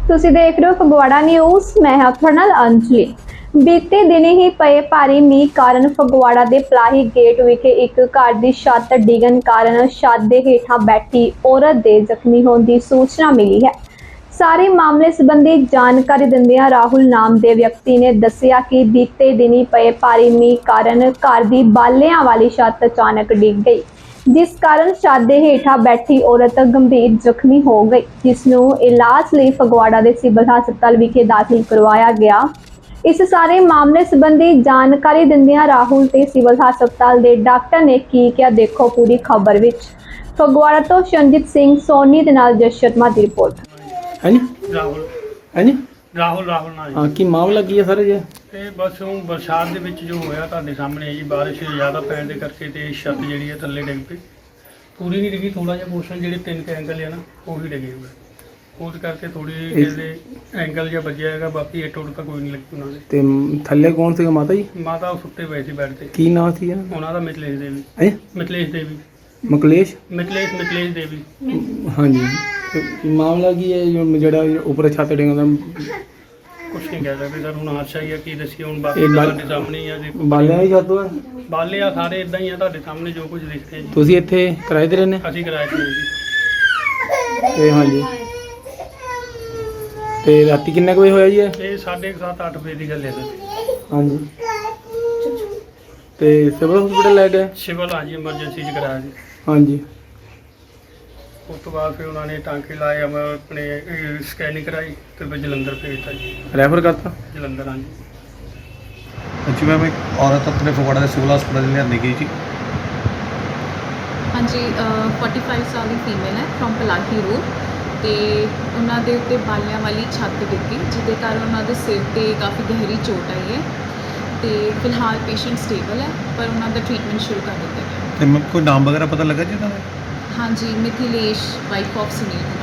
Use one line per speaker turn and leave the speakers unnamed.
ਤੁਸੀਂ ਦੇਖ ਰਹੇ ਹੋ ਫਗਵਾੜਾ ਨਿਊਜ਼। ਮੈਂ ਹਾਂ ਤੁਹਾਡੇ ਨਾਲ ਅੰਜਲੀ। ਬੀਤੇ ਦਿਨੇ ਹੀ ਪਏ ਭਾਰੀ ਮੀਂਹ ਕਾਰਨ ਫਗਵਾੜਾ ਦੇ ਪਲਾਹੀ ਗੇਟ ਵਿਖੇ ਇੱਕ ਘਰ ਦੀ ਛੱਤ ਡਿੱਗਣ ਕਾਰਨ ਛੱਤ ਦੇ ਹੇਠਾਂ ਬੈਠੀ ਔਰਤ ਦੇ ਜ਼ਖਮੀ ਹੋਣ ਦੀ ਸੂਚਨਾ ਮਿਲੀ ਹੈ। ਸਾਰੇ ਮਾਮਲੇ ਸੰਬੰਧੀ ਜਾਣਕਾਰੀ ਦਿੰਦਿਆਂ ਰਾਹੁਲ ਨਾਮ ਦੇ ਵਿਅਕਤੀ ਨੇ ਦੱਸਿਆ ਕਿ ਬੀਤੇ ਦਿਨੀ ਪਏ ਭਾਰੀ ਮੀਂਹ ਕਾਰਨ ਘਰ ਦੀ ਬਾਲਿਆਂ ਵਾਲੀ ਛੱਤ ਅਚਾਨਕ ਡਿੱਗ ਗਈ, जिस कारण छत के हेठा बैठी औरत गंभीर जख्मी हो गई, जिसनों इलाज लिए फगवाड़ा के सिविल हस्पताल विखे दाखिल करवाया गया। इस सारे मामले संबंधी जानकारी दिंदियां राहुल ते सिविल हस्पताल के डॉक्टर ने की क्या, देखो पूरी खबर विच। फगवाड़ा तो शरणजीत सिंह सोनी दे नाल जस शर्मा की रिपोर्ट।
ਰਾਹੁਲ ਨਾਲ
हाँ की मामला की है सर जी?
ਤੇ ਬਸ ਉਹ ਬਰਸਾਤ ਦੇ ਵਿੱਚ ਜੋ ਹੋਇਆ ਤੁਹਾਡੇ ਸਾਹਮਣੇ ਜੀ, ਬਾਰਿਸ਼ ਜ਼ਿਆਦਾ ਪੈਣ ਦੇ ਕਰਕੇ ਤੇ ਛੱਤ ਜਿਹੜੀ ਹੈ ਥੱਲੇ ਡਿੱਗ ਪਈ। ਪੂਰੀ ਨਹੀਂ ਡਿੱਗੀ, ਥੋੜਾ ਜਿਹਾ ਪੋਰਸ਼ਨ ਜਿਹੜੇ 3 ਐਂਗਲ ਹੈ ਨਾ ਉਹ ਹੀ ਡਿੱਗੇ ਹੋਏ। ਉਸ ਕਰਕੇ ਥੋੜੀ ਜਿਹੇ ਐਂਗਲ ਜਿਹਾ ਵੱਜਿਆ ਹੈਗਾ, ਬਾਕੀ ਇੱਟ ਉੱਟ ਤਾਂ ਕੋਈ ਨਹੀਂ ਲੱਗੀ ਉਹਨਾਂ ਦੇ।
ਤੇ ਥੱਲੇ ਕੌਣ ਸੀਗਾ ਮਾਤਾ ਜੀ?
ਮਾਤਾ ਉਹ ਸੁੱਤੇ ਪਏ ਸੀ ਬੈੱਡ ਤੇ।
ਕੀ ਨਾਮ ਸੀ ਇਹਨਾਂ
ਉਹਨਾਂ ਦਾ ਮਿਥਲੇਸ਼ ਦੇਵੀ।
ਦਾ?
ਮਿਥਲੇਸ਼ ਦੇਵੀ।
ਮਿਥਲੇਸ਼ ਦੇਵੀ। ਹਾਂਜੀ। ਤੇ ਮਾਮਲਾ ਕੀ ਹੈ ਜਿਹੜਾ ਉੱਪਰ ਛੱਤ ਡਿੱਗਦਾ?
ਕੁਛ ਨਹੀਂ ਕਹਿ ਸਕਦੇ ਸਰ, ਹੁਣ ਹਾਦਸਾ ਹੀ ਆ, ਕੀ ਦੱਸੀਏ ਹੁਣ। ਬਾਕੀ ਤੁਹਾਡੇ ਸਾਹਮਣੇ ਹੀ ਆ, ਦੇਖੋ
ਬਾਲਿਆਂ ਦੀ ਛੱਤ ਹੈ?
ਬਾਲੇ ਆ ਸਾਰੇ ਇਦਾਂ ਹੀ ਆ, ਤੁਹਾਡੇ ਸਾਹਮਣੇ ਜੋ ਕੁਝ ਦਿਖਦੇ ਜੀ।
ਤੁਸੀਂ ਇੱਥੇ ਕਿਰਾਏ ਤੇ ਰਹਿੰਦੇ?
ਅਸੀਂ ਕਿਰਾਏ ਤੇ ਜੀ।
ਤੇ ਹਾਂਜੀ, ਤੇ ਰਾਤੀ ਕਿੰਨੇ ਕੁ ਵਜੇ ਹੋਇਆ ਜੀ ਇਹ?
ਇਹ 7:30 8 ਵਜੇ ਦੀ ਗੱਲ ਹੈ ਸਰ।
ਹਾਂਜੀ। ਤੇ ਸਿਵਲ ਹਸਪੀਟਲ ਲੈ ਗਏ?
ਸਿਵਲ ਹਾਂਜੀ, ਐਮਰਜੈਂਸੀ 'ਚ ਕਰਾਇਆ ਜੀ।
ਹਾਂਜੀ।
ਉਸ ਤੋਂ ਬਾਅਦ ਫਿਰ ਉਹਨਾਂ ਨੇ ਟਾਂਕੇ ਲਾਏ, ਆਪਣੇ ਸਕੈਨਿੰਗ ਕਰਾਈ ਤੇ ਫਿਰ ਜਲੰਧਰ ਭੇਜਤਾ ਜੀ।
ਰੈਫਰ ਕਰਤਾ
ਜਲੰਧਰ ਹਾਂਜੀ।
जी मैम, एक औरत अपने फगवाड़ा के सिविल हस्पिटल लियानी गई थी।
हाँ जी, 45 साल की फीमेल है फ्रॉम पलाही रोड। तो उन्होंने उत्ते बालियां वाली छत डिगी, जिसके कारण उन्होंने सिर पर काफ़ी गहरी चोट आई है। तो फिलहाल पेशेंट स्टेबल है, पर उन्होंने ट्रीटमेंट शुरू कर दिया गया।
तो मैम कोई नाम वगैरह पता लगा जी उन्होंने?
हाँ जी, मिथिलेश, वाइफ ऑफ सुनील।